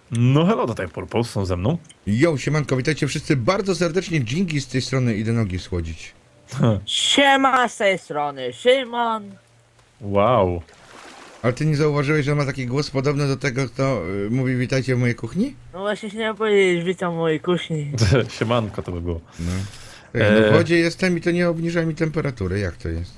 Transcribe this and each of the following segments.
No hello, tutaj Purpose są ze mną. Jo, siemanko, witajcie wszyscy bardzo serdecznie. Dżingi z tej strony, idę nogi schłodzić. Siema z tej strony, Szymon. Wow. Ale ty nie zauważyłeś, że ma taki głos podobny do tego, kto mówi witajcie w mojej kuchni? No właśnie chciałem powiedzieć, witam w mojej kuchni. Siemanko to by było. No. No w wodzie jestem i to nie obniża mi temperatury, jak to jest?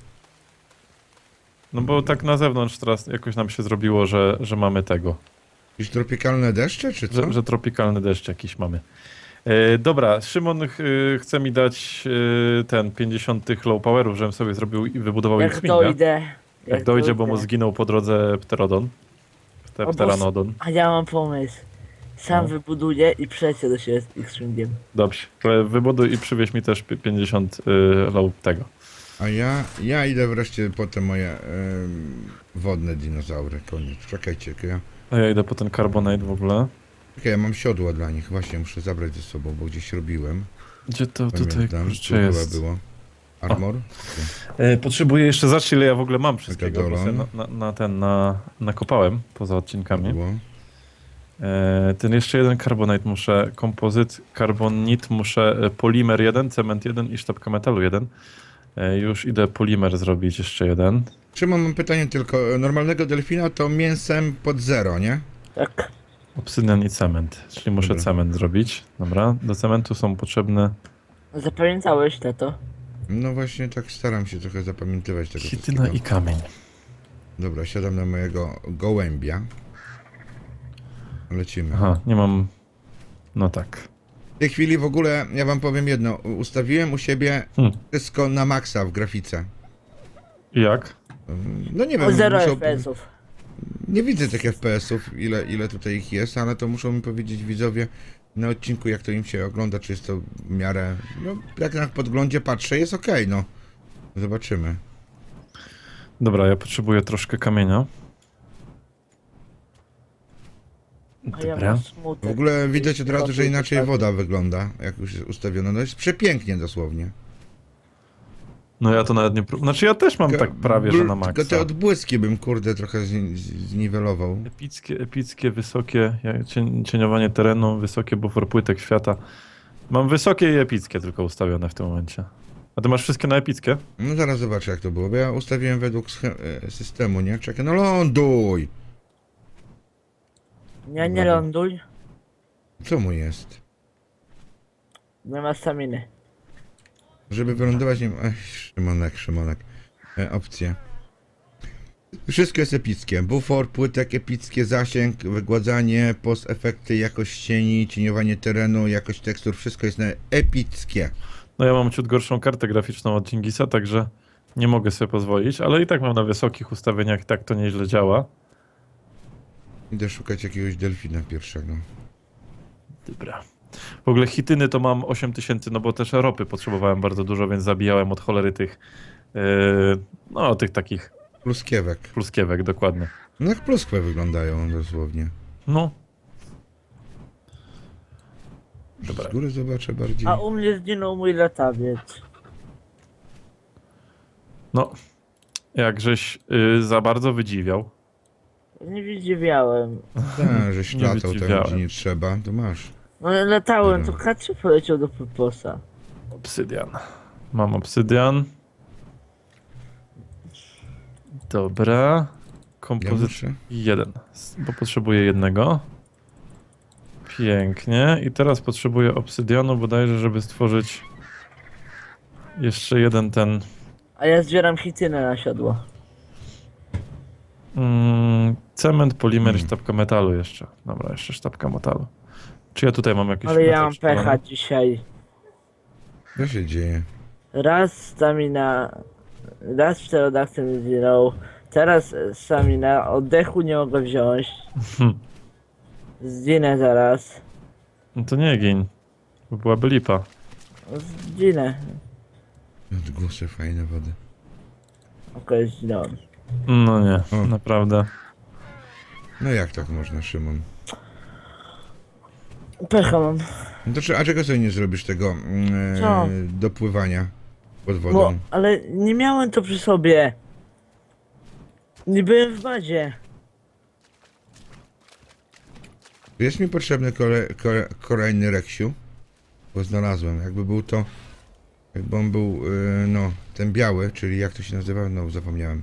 No bo tak na zewnątrz teraz jakoś nam się zrobiło, że mamy tego. Jakieś tropikalne deszcze, czy co? Że tropikalny deszcz jakiś mamy. Dobra, Szymon chce mi dać ten 50 low powerów, żebym sobie zrobił i wybudował Jak X-Winga. dojdę. Jak dojdzie, bo mu zginął po drodze Pterodon. Pteranodon. A ja mam pomysł. Sam No. wybuduję i przelecę do siebie z X-Wingiem. Dobrze, to wybuduj i przywieź mi też 50 low tego. A ja idę wreszcie po te moje wodne dinozaury, koniec. Czekajcie, A ja idę po ten Carbonite w ogóle. ja mam siodła dla nich, właśnie muszę zabrać ze sobą, bo gdzieś robiłem. Gdzie to tutaj Pamiętam, tu kurczę chyba jest? było. Armor? Potrzebuję jeszcze zobaczyć, ile ja w ogóle mam wszystkiego, bo Megadolon. sobie nakopałem poza odcinkami. Było. Ten jeszcze jeden Carbonite muszę, kompozyt, Carbonit muszę, polimer 1, cement 1 i sztabka metalu 1. Już idę polimer zrobić jeszcze jeden. Szymon, mam pytanie tylko. Normalnego delfina to mięsem pod zero, nie? Tak. Obsydian i cement, czyli muszę Dobra. cement zrobić. Dobra, do cementu są potrzebne Zapamiętałeś to? No właśnie tak staram się trochę zapamiętywać tego chityna wszystkiego. i kamień. Dobra, siadam na mojego gołębia. Lecimy. Aha, nie mam... No tak. W tej chwili w ogóle, ja wam powiem jedno. Ustawiłem u siebie wszystko na maksa w grafice. I jak? No nie O wiem, 0 muszą- FPS-ów. nie widzę tych FPS-ów, ile tutaj ich jest, ale to muszą mi powiedzieć widzowie na odcinku, jak to im się ogląda, czy jest to w miarę... No, jak na podglądzie patrzę, jest okej, no. Zobaczymy. Dobra, ja potrzebuję troszkę kamienia. A ja Dobra. mam W smutek. ogóle widać od razu, że inaczej woda wygląda, jak już jest ustawiona. No jest przepięknie dosłownie. No ja to nawet nie... Znaczy ja też mam tak prawie, że na maksa. Tylko te odbłyski bym, kurde, trochę zniwelował. Epickie, wysokie, cieniowanie terenu, wysokie bufor płytek świata. Mam wysokie i epickie tylko ustawione w tym momencie. A ty masz wszystkie na epickie? No zaraz zobaczę, jak to było, bo ja ustawiłem według systemu, nie? Czekaj, no ląduj! Nie ląduj. Co mu jest? Nie ma staminy. Żeby wylądować, nie... Ech, Szymonek. Opcje. Wszystko jest epickie. Bufor, płytek epickie, zasięg, wygładzanie, post efekty, jakość cieni, cieniowanie terenu, jakość tekstur, wszystko jest na epickie. No ja mam ciut gorszą kartę graficzną od Dżingisa, także nie mogę sobie pozwolić, ale i tak mam na wysokich ustawieniach, i tak to nieźle działa. Idę szukać jakiegoś delfina pierwszego. Dobra. W ogóle hityny to mam 8000, no bo też ropy potrzebowałem bardzo dużo, więc zabijałem od cholery tych, no tych takich Pluskiewek. pluskiewek, dokładnie. No jak pluskwe wyglądają dosłownie. No. Dobra. Z góry zobaczę bardziej. A u mnie zginął mój latawiec. No, jakżeś za bardzo wydziwiał. Nie widziałem. Tak, żeś Nie latał tam, wydziwiałem. gdzie nie trzeba, to masz. No latałem, to Dobra. K3 poleciał do Purposa. Obsydian. Mam obsydian. Dobra. Ja Kompozyt muszę. 1, bo potrzebuję jednego. Pięknie. I teraz potrzebuję obsydianu bodajże, żeby stworzyć jeszcze jeden ten A ja zbieram chitynę na siodło. cement, polimer i sztabka metalu jeszcze. Dobra, jeszcze sztabka metalu. Czy ja tutaj mam jakiś Ale ja metal mam przypalony? pecha dzisiaj. Co się dzieje? Raz stamina, raz pterodaktyl mi zginął, teraz stamina, oddechu nie mogę wziąć. Zginę zaraz. No to nie gin. Bo byłaby lipa. Zginę. Odgłosy fajne wody. Okej, zginąłem. No nie, O. naprawdę. No jak tak można, Szymon? Pecha mam. No to, a czego sobie nie zrobisz tego Co? dopływania pod Bo, wodą? ale nie miałem to przy sobie. Nie byłem w bazie. Jest mi potrzebny kolejny Reksiu, bo znalazłem. Jakby był to... Jakby on był, no, ten biały, czyli jak to się nazywa? No, zapomniałem.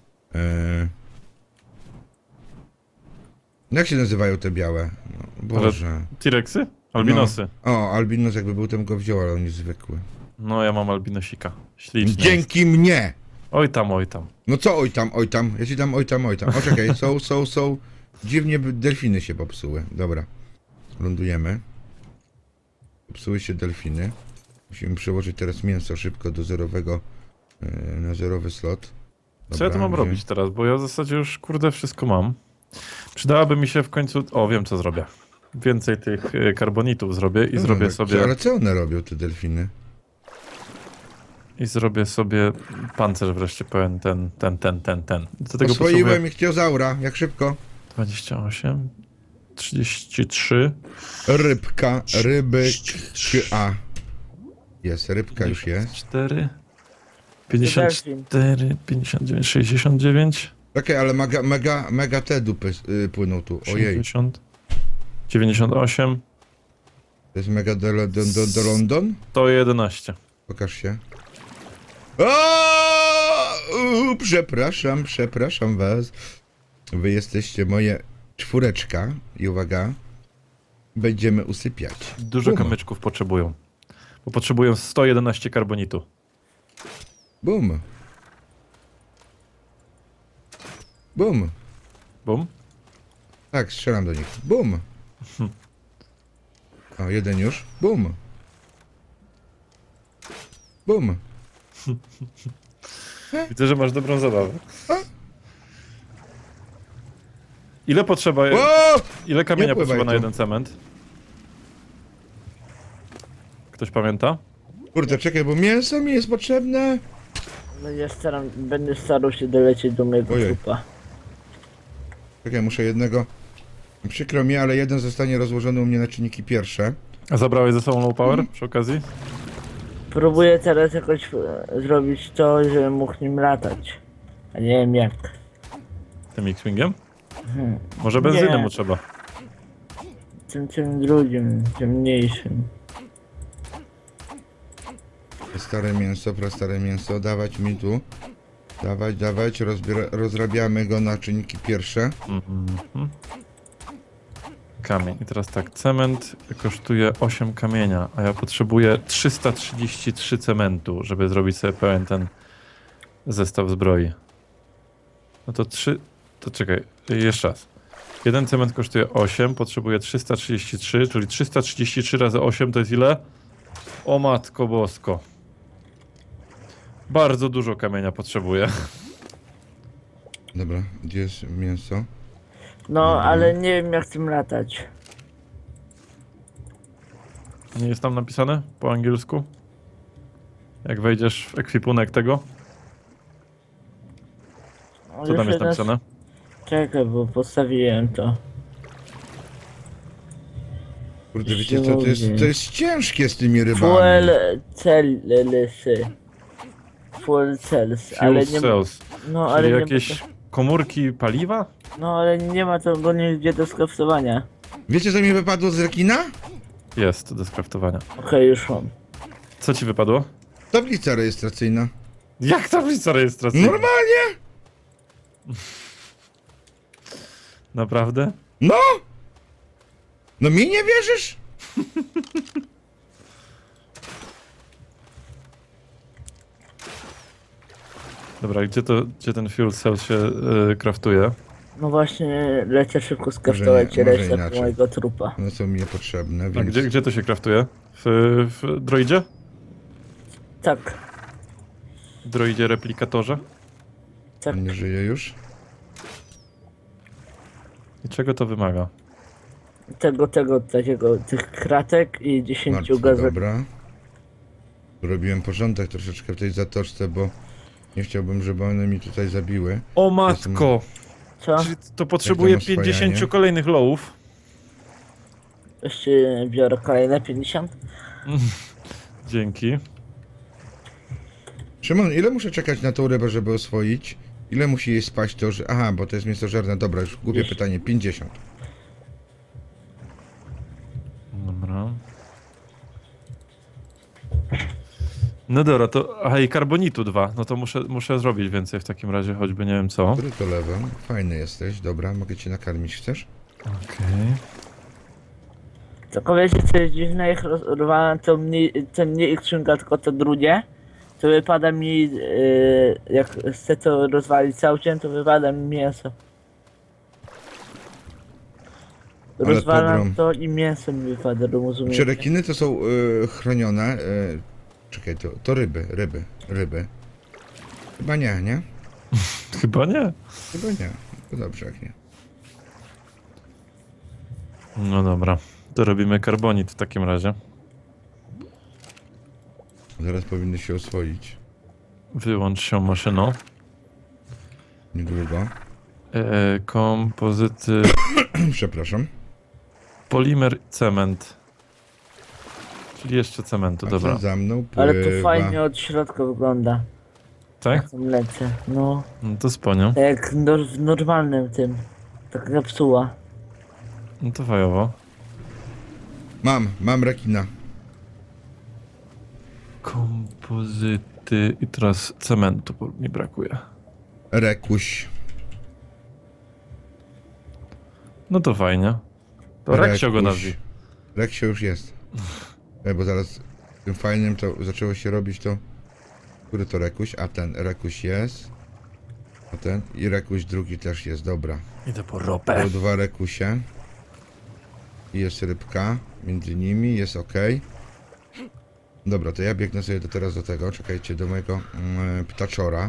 No jak się nazywają te białe? No, Boże. T-Rexy? Albinosy. No. O, albinos jakby był, to bym go wziął, ale on jest zwykły. No ja mam albinosika. Śliczny jest. Dzięki mnie! Oj tam, oj tam. No co oj tam, oj tam? Ja ci dam oj tam, oj tam. O czekaj, są. Dziwnie delfiny się popsuły. Dobra. Lądujemy. Popsuły się delfiny. Musimy przełożyć teraz mięso szybko do zerowego, na zerowy slot. Co ja tu mam gdzie- robić teraz? Bo ja w zasadzie już kurde wszystko mam. Przydałaby mi się w końcu... O, wiem co zrobię. Więcej tych karbonitów zrobię i No, zrobię no, sobie... Ale co one robią, te delfiny? I zrobię sobie pancerz wreszcie pełen ten. Do tego Oswoiłem potrzebuję ichtiozaura, jak szybko. 28, 33, Rybka, a. Jest, rybka już jest. 4, 54, 59, 69, Okej, ale mega te dupy płyną tu. Ojej, 80, 98, to jest mega do London? 111. Pokaż się. Przepraszam was. Wy jesteście moje czwóreczka i uwaga, będziemy usypiać. Dużo Bum. kamyczków potrzebują. Bo potrzebują 111 karbonitu. Bum. Bum. Bum. Tak, strzelam do nich. Bum. O, jeden już. Bum. Bum. Widzę, że masz dobrą zabawę. Ile potrzeba... O! Ile kamienia Nie pływaj potrzeba na tu. jeden cement? Ktoś pamięta? Kurde, czekaj, bo mięso mi jest potrzebne. Będę starał się dolecieć do mojego Ojej. trupa. Czekaj, muszę jednego... Przykro mi, ale jeden zostanie rozłożony u mnie na czynniki pierwsze. A zabrałeś ze sobą low power przy okazji? Próbuję teraz jakoś zrobić to, żebym mógł nim latać. A nie wiem jak. Tym X-Wingiem? Może benzyny Nie. mu trzeba. Tym drugim, tym mniejszym. Stare mięso, dawać mi tu. Dawać, rozrabiamy go na czynniki pierwsze. Mhm. Kamień. I teraz tak, cement kosztuje 8 kamienia, a ja potrzebuję 333 cementu, żeby zrobić sobie pełen ten zestaw zbroi. No to 3... To czekaj, jeszcze raz. Jeden cement kosztuje 8, potrzebuję 333, czyli 333 razy 8 to jest ile? O matko bosko. Bardzo dużo kamienia potrzebuję. Dobra, gdzie jest mięso? No, ale nie wiem jak tym latać. Nie jest tam napisane po angielsku? Jak wejdziesz w ekwipunek tego? No, Co tam już jest raz- napisane? Czekaj, bo postawiłem to. Kurde, wiecie co, to jest ciężkie z tymi rybami. Fuel cellsy. Fuel cells, ale Fuel nie ma... cells. No, Czyli ale nie jakieś komórki paliwa? No, ale nie ma to go nigdzie do skraftowania. Wiecie co mi wypadło z rekina? Jest do skraftowania. Okej, już mam. Co ci wypadło? Tablica rejestracyjna. Jak tablica rejestracyjna? Normalnie? Naprawdę? No! No mi nie wierzysz? Dobra, gdzie ten fuel cell się kraftuje? No właśnie, lecę szybko skraftować Może resztę inaczej. mojego trupa. No są mi niepotrzebne, A więc... gdzie to się kraftuje? W droidzie? Tak, W droidzie replikatorze? tak. On nie żyje już? I czego to wymaga? Tych kratek i 10 Martwy, gazet. dobra. Robiłem porządek troszeczkę w tej zatoczce, bo nie chciałbym, żeby one mi tutaj zabiły. O matko! Co? Czyli to potrzebuje Jak to ma 50 oswajanie? kolejnych lowów. Jeszcze biorę kolejne 50. Dzięki. Szymon, ile muszę czekać na tą rybę, żeby oswoić? Ile musi jej spaść to, że... Aha, bo to jest mięsożerne. Dobra, już głupie Dziesięć. pytanie. 50. No dobra, to... Aha, i karbonitu 2. No to muszę zrobić więcej w takim razie, choćby nie wiem co. Który to level? Fajny jesteś, dobra, mogę cię nakarmić, chcesz? Okej. Tylko wiecie co jest dziwne, jak rozwalam to nie ich skrzynka, tylko to drugie, to wypada mi, jak chcę to rozwalić całkiem, to wypada mi mięso. Ale Rozwalam pogrom. to i mięso mi wypada, rozumiecie? Czy rekiny to są chronione? Czekaj, to ryby. Chyba nie, nie? Chyba nie. Chyba nie. To dobrze, jak nie. No dobra. To robimy karbonit w takim razie. Zaraz powinny się oswoić. Wyłącz się maszyną. Niedługo. Kompozyty... Przepraszam. Polimer, cement. Czyli jeszcze cementu, A dobra. co za mną pływa? Ale to fajnie od środka wygląda, Tak? jak tam lecę, no. No to sponią. Tak jak w normalnym tym, taka kapsuła. No to fajowo. Mam rekina. Kompozyty i teraz cementu mi brakuje. Rekuś. No to fajnie. To Reksio go Rekuś. nazwij. Reksio już jest. Bo zaraz tym fajnym to zaczęło się robić to... Który to rekuś? A ten rekuś jest. A ten i rekuś drugi też jest, dobra. Idę po ropę. Są 2 rekusie. I jest rybka między nimi, jest ok. Dobra, to ja biegnę sobie teraz do tego, czekajcie, do mojego ptaczora.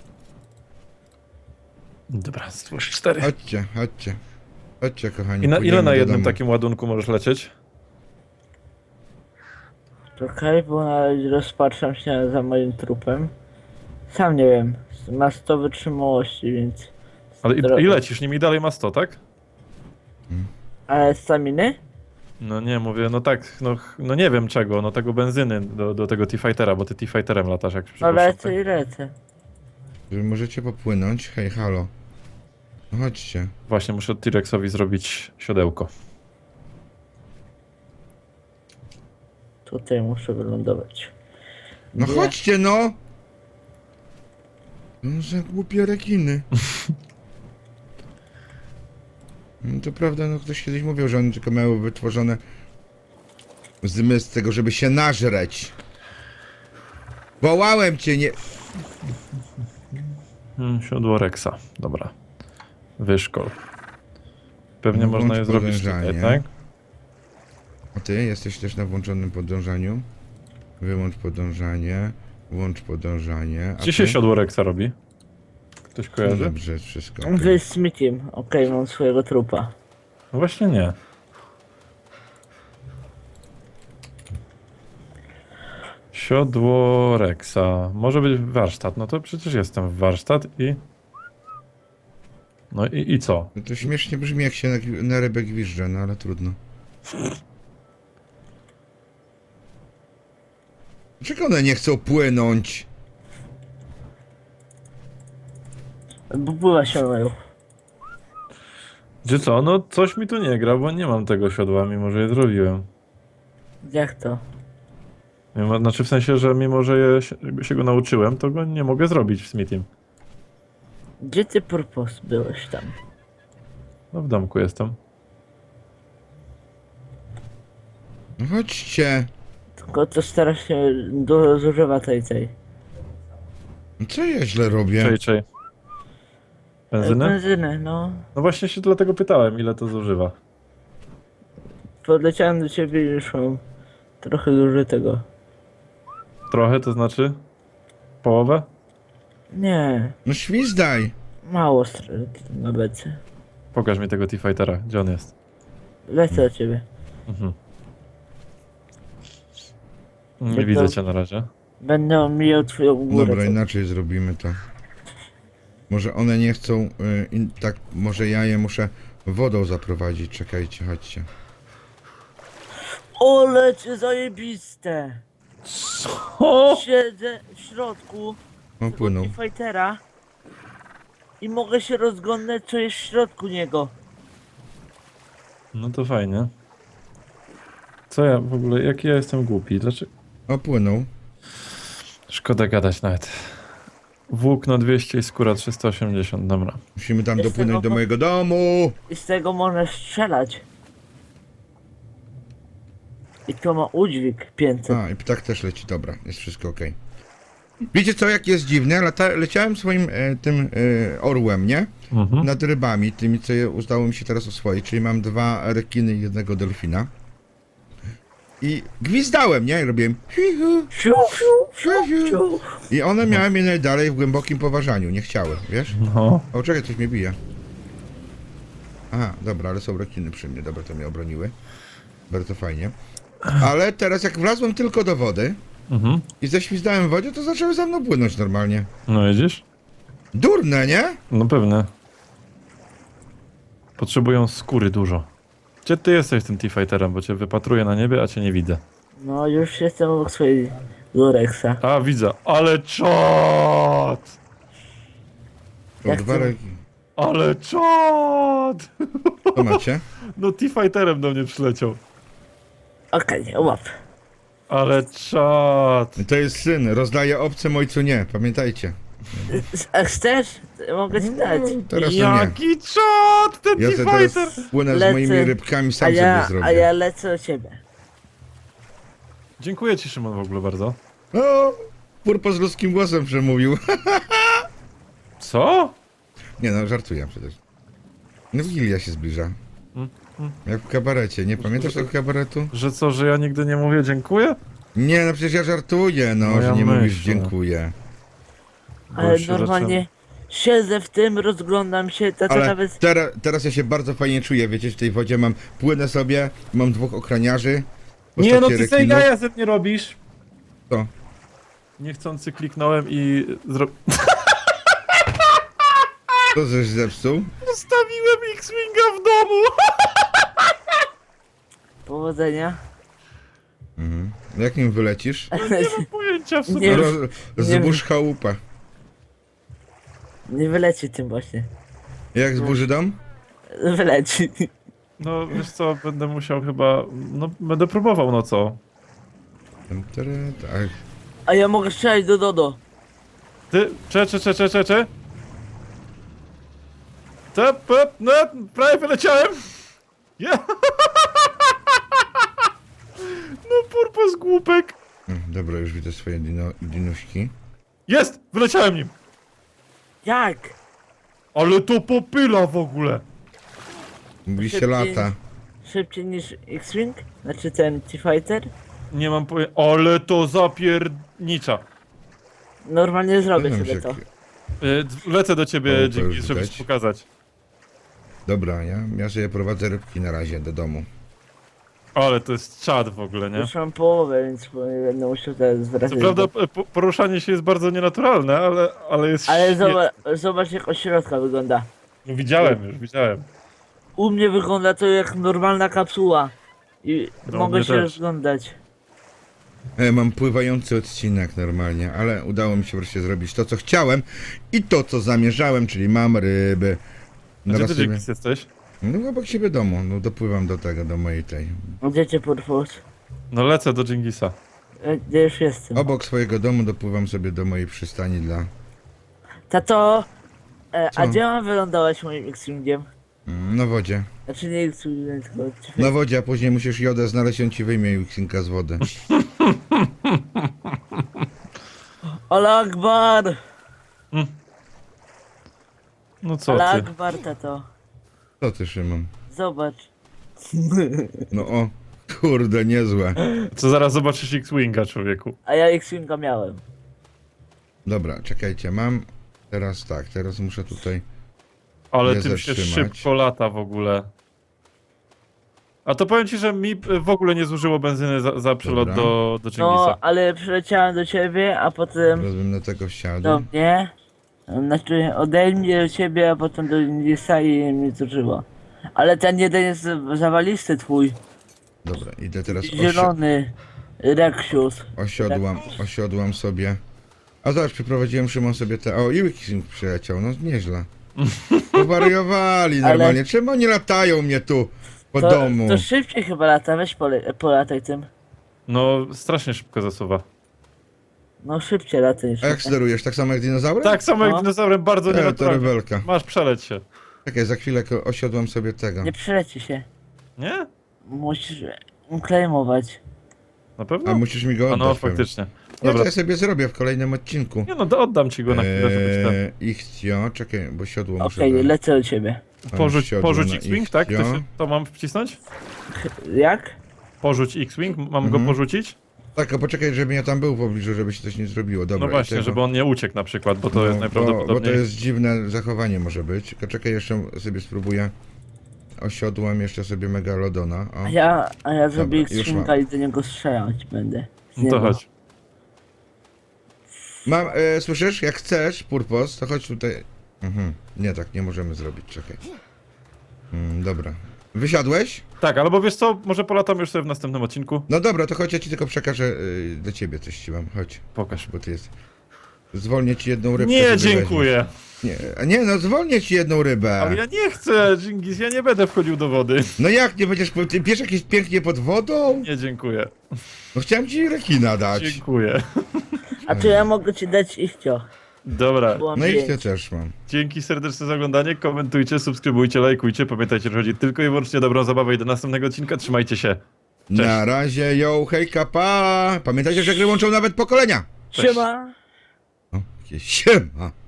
Dobra, stwórz 4. Chodźcie. Chodźcie, kochani. Ile płyniemy na do jednym domu. takim ładunku możesz lecieć? Czekaj, bo na razie rozpatrzam się za moim trupem. Sam nie wiem, ma 100 wytrzymałości, więc... Ale i lecisz nim i dalej ma 100, tak? Ale staminy? No nie, mówię, no tak, no nie wiem czego, no tego benzyny do tego T-Fightera, bo ty T-Fighterem latasz jak No przypuszczam. lecę i lecę. Wy możecie popłynąć? Hej, halo. No chodźcie. Właśnie muszę T-Rexowi zrobić siodełko. Tutaj muszę wylądować. No Nie. chodźcie, no! No za głupie rekiny. No to prawda, no ktoś kiedyś mówił, że one tylko miały wytworzone zmysł tego, żeby się nażreć. Wołałem cię, nie... Siodło Rexa, dobra. Wyszkol. Pewnie No, można włącz je zrobić tutaj, podążanie. tak? A ty jesteś też na włączonym podążaniu? Wyłącz podążanie, włącz podążanie. A Gdzie się ty? siodło Rexa robi? Ktoś No kojarzy? dobrze, wszystko. okej. Wy z Smithiem. Okej, mam swojego trupa. No właśnie nie. Siodło Rexa. Może być warsztat. No to przecież jestem w warsztat i... No i co? No to śmiesznie brzmi, jak się na rybę gwizdże, no ale trudno. Dlaczego one nie chcą płynąć? Bo pływa się mają. Gdzie co? No coś mi tu nie gra, bo nie mam tego siodła, mimo że je zrobiłem. Jak to? Znaczy w sensie, że mimo że się go nauczyłem, to go nie mogę zrobić w Smithim. Gdzie ty purpos byłeś tam? No w domku jestem. No chodźcie. Tylko to stara się dużo zużywa tej. No co ja źle robię? Czej. Benzyny? Benzyny, no. No właśnie się dlatego pytałem, ile to zużywa. Podleciałem do ciebie i już mam trochę zużytego. Trochę, to znaczy? Połowę? Nie, No świzdaj. mało na bece. Pokaż mi tego T-Fightera, gdzie on jest. Lecę do ciebie. Mhm. Nie Jak widzę to- cię na razie. Będę omijał twoją górę. Dobra, inaczej zrobimy to. Może one nie chcą, tak, może ja je muszę wodą zaprowadzić. Czekajcie, chodźcie. O, lecie zajebiste! O! Siedzę w środku O, płyną. fightera i mogę się rozglądać, co jest w środku niego. No to fajnie. Co ja w ogóle, jaki ja jestem głupi? Dlaczego? O, płyną. Szkoda gadać nawet. Włókno 200 i skóra 380, dobra. Musimy tam Jest dopłynąć tego do po- mojego domu. I z tego można strzelać. I to ma udźwig 500. A, i ptak też leci, dobra, jest wszystko okej. Wiecie co, jak jest dziwne? Leciałem swoim tym orłem, nie? Mhm. Nad rybami, tymi, co udało mi się teraz oswoić, czyli mam 2 rekiny i 1 delfina. I gwizdałem, nie? I robiłem hi-hu, Siu, siu, siu, siu. i one miały mnie najdalej w głębokim poważaniu, nie chciały, wiesz? No. O, czekaj, coś mnie bije. Aha, dobra, ale są rekiny przy mnie, dobra, to mnie obroniły. Bardzo fajnie. Ale teraz jak wlazłem tylko do wody Mhm. i ześwizdałem w wodzie, to zaczęły za mną płynąć normalnie. No widzisz? Durne, nie? No pewnie. Potrzebują skóry dużo. Gdzie ty jesteś tym T-Fighterem, bo cię wypatruję na niebie, a cię nie widzę. No już jestem obok swojego Rexa. A, widzę. Ale czad! Są Jak 2 to? rekiny. Ale czad! Co macie? No T-Fighterem do mnie przyleciał. Okej, łap. Ale czad! To jest syn, rozdaje obcym, ojcu nie, pamiętajcie. A chcesz? Mogę ci dać. Teraz to nie. Jaki czad! Ten Ja sobie T-Fighter! teraz płynę z Lecę. moimi rybkami, A sam sobie ja zrobię. lecę do ciebie. Dziękuję ci, Szymon, w ogóle bardzo. O, Purpo z ludzkim głosem przemówił. Co? Nie no, żartuję przecież. No Wigilia się zbliża. Mm, Jak w kabarecie, nie pamiętasz tego kabaretu? Że co, że ja nigdy nie mówię dziękuję? Nie, no przecież ja żartuję, no, No że ja nie mówisz myślę. dziękuję. Ale się normalnie siedzę w tym, rozglądam się, to Ale nawet... teraz ja się bardzo fajnie czuję, wiecie, w tej wodzie mam, płynę sobie, mam 2 ochraniarzy. w Nie no, postaci ty sobie rekinów. jaja ze mnie robisz. Co? Niechcący kliknąłem i Co żeś zepsuł? Zostawiłem X-Winga w domu. Powodzenia. Mhm. Jak nim wylecisz? No nie mam pojęcia w sumie. Nie. Zbóż chałupę. Nie wyleci tym właśnie. Jak zburzy dom? Wyleci. No wiesz co, będę musiał chyba, no będę próbował, no co? Tak. A ja mogę strzelać do Dodo. Ty, cze. No, prawie wyleciałem. Ja. No purpos głupek. Dobra, już widzę swoje dinuśki. Jest, wyleciałem nim. Jak? Ale to popyla w ogóle. Mówi się Szybciej. lata. Szybciej niż X-Wing? Znaczy ten T-Fighter? Nie mam pojęcia, ale to zapiernicza. Normalnie zrobię Nie wiem, sobie że- to. Lecę do ciebie, O, to dzięki, już żeby widać. ci pokazać. Dobra, ja sobie prowadzę rybki na razie do domu. Ale to jest czad w ogóle, nie? Już mam połowę, więc nie będę musiał teraz Co zwracać. prawda poruszanie się jest bardzo nienaturalne, ale jest Ale świetne. zobacz jak od środka wygląda. No, widziałem. U mnie wygląda to jak normalna kapsuła. I No, mogę mnie się też. rozglądać. Mam pływający odcinek normalnie, ale udało mi się wreszcie zrobić to, co chciałem i to, co zamierzałem, czyli mam ryby. Gdzie Naraz ty sobie... dzięki jesteś? No obok siebie domu, no dopływam do tego, do mojej tej. Gdzie cię Purpos? No lecę do Dżingisa. Gdzie już jestem? Obok swojego domu dopływam sobie do mojej przystani dla... Tato, a Co? gdzie mam wylądować moim X-Wingiem? Na wodzie. Znaczy nie X-Wingiem, tylko... Na wodzie, a później musisz jodę znaleźć, on ci wyjmie Xinka z wody. Ola Akbar! No co Ola ty? Akbar, tato. Co ty, Szymon? Zobacz. No o, kurde, niezłe. Co zaraz zobaczysz X-Winga, człowieku. A ja X-Winga miałem. Dobra, czekajcie, mam... Teraz tak, teraz muszę tutaj... Ale Nie tym się zatrzymać. szybko lata w ogóle. A to powiem ci, że mi w ogóle nie zużyło benzyny za przelot Dobra. do Dżingisa. No, ale przyleciałem do ciebie, a potem Teraz bym na tego wsiadł. do mnie. Znaczy ode mnie do ciebie, a potem do Indisa i mnie zużyło. Ale ten jeden jest zawalisty twój. Dobra, idę teraz Zielony. Rexius. osiodłam sobie. A zobacz, przyprowadziłem Szymon sobie te... O, i Xing przyleciał, no nieźle. Powariowali normalnie. Czemu oni latają mnie tu po domu? To szybciej chyba lata, weź polataj tym. No, strasznie szybko zasuwa. No szybciej latę niż A jak ty. sterujesz? Tak samo jak dinozaurem? Tak samo jak No. dinozaurem, bardzo To nienaturalnie. rewelka. Masz, przeleć się. Czekaj, za chwilę osiodłam sobie tego. Nie przeleci się. Nie? Musisz claimować. Na pewno? A musisz mi go A oddać. no, pewnie. faktycznie. Nie, to Dobra. ja sobie zrobię w kolejnym odcinku. Nie no, oddam ci go na chwilę, żebyś ten... Ichtio, czekaj, bo siodło muszę Okej, dać. lecę do ciebie. Porzuć na X-Wing, tak? ichtio. To mam wcisnąć? Jak? Porzuć X-Wing, mam go Mhm. porzucić? Tak, a poczekaj, żeby ja tam był w pobliżu, żeby się coś nie zrobiło. Dobra, No właśnie, i tego- żeby on nie uciekł na przykład, bo to No, jest bo najprawdopodobniej... to jest dziwne zachowanie może być. Tylko czekaj, jeszcze sobie spróbuję. Osiodłem jeszcze sobie Megalodona. O. A ja zrobię już skrzynka i do niego strzelać będę. Z No to niego. chodź. Mam, słyszysz? Jak chcesz, Purpos, to chodź tutaj. Nie, tak nie możemy zrobić, czekaj. Dobra. Wysiadłeś? Tak, albo wiesz co, może polatam już sobie w następnym odcinku. No dobra, to chodź, ja ci tylko przekażę do ciebie coś ci mam. Chodź, Pokaż. bo ty jest. Zwolnię ci jedną rybkę. Nie, sobie dziękuję. weźmiesz. Nie, no zwolnię ci jedną rybę. Ale ja nie chcę, Dżingis, ja nie będę wchodził do wody. No jak nie będziesz, ty wiesz jakieś pięknie pod wodą? Nie, dziękuję. No chciałem ci rekina dać. Dziękuję. A to ja mogę ci dać ichcio. Dobra, Było No i pięć. ja też mam. dzięki serdeczne za oglądanie, komentujcie, subskrybujcie, lajkujcie. Pamiętajcie, że chodzi tylko i wyłącznie o dobrą zabawę i do następnego odcinka. Trzymajcie się. Cześć. Na razie, yo, hejka, pa! Pamiętajcie, że gry łączą nawet pokolenia. Cześć. Siema. O, jakieś siema.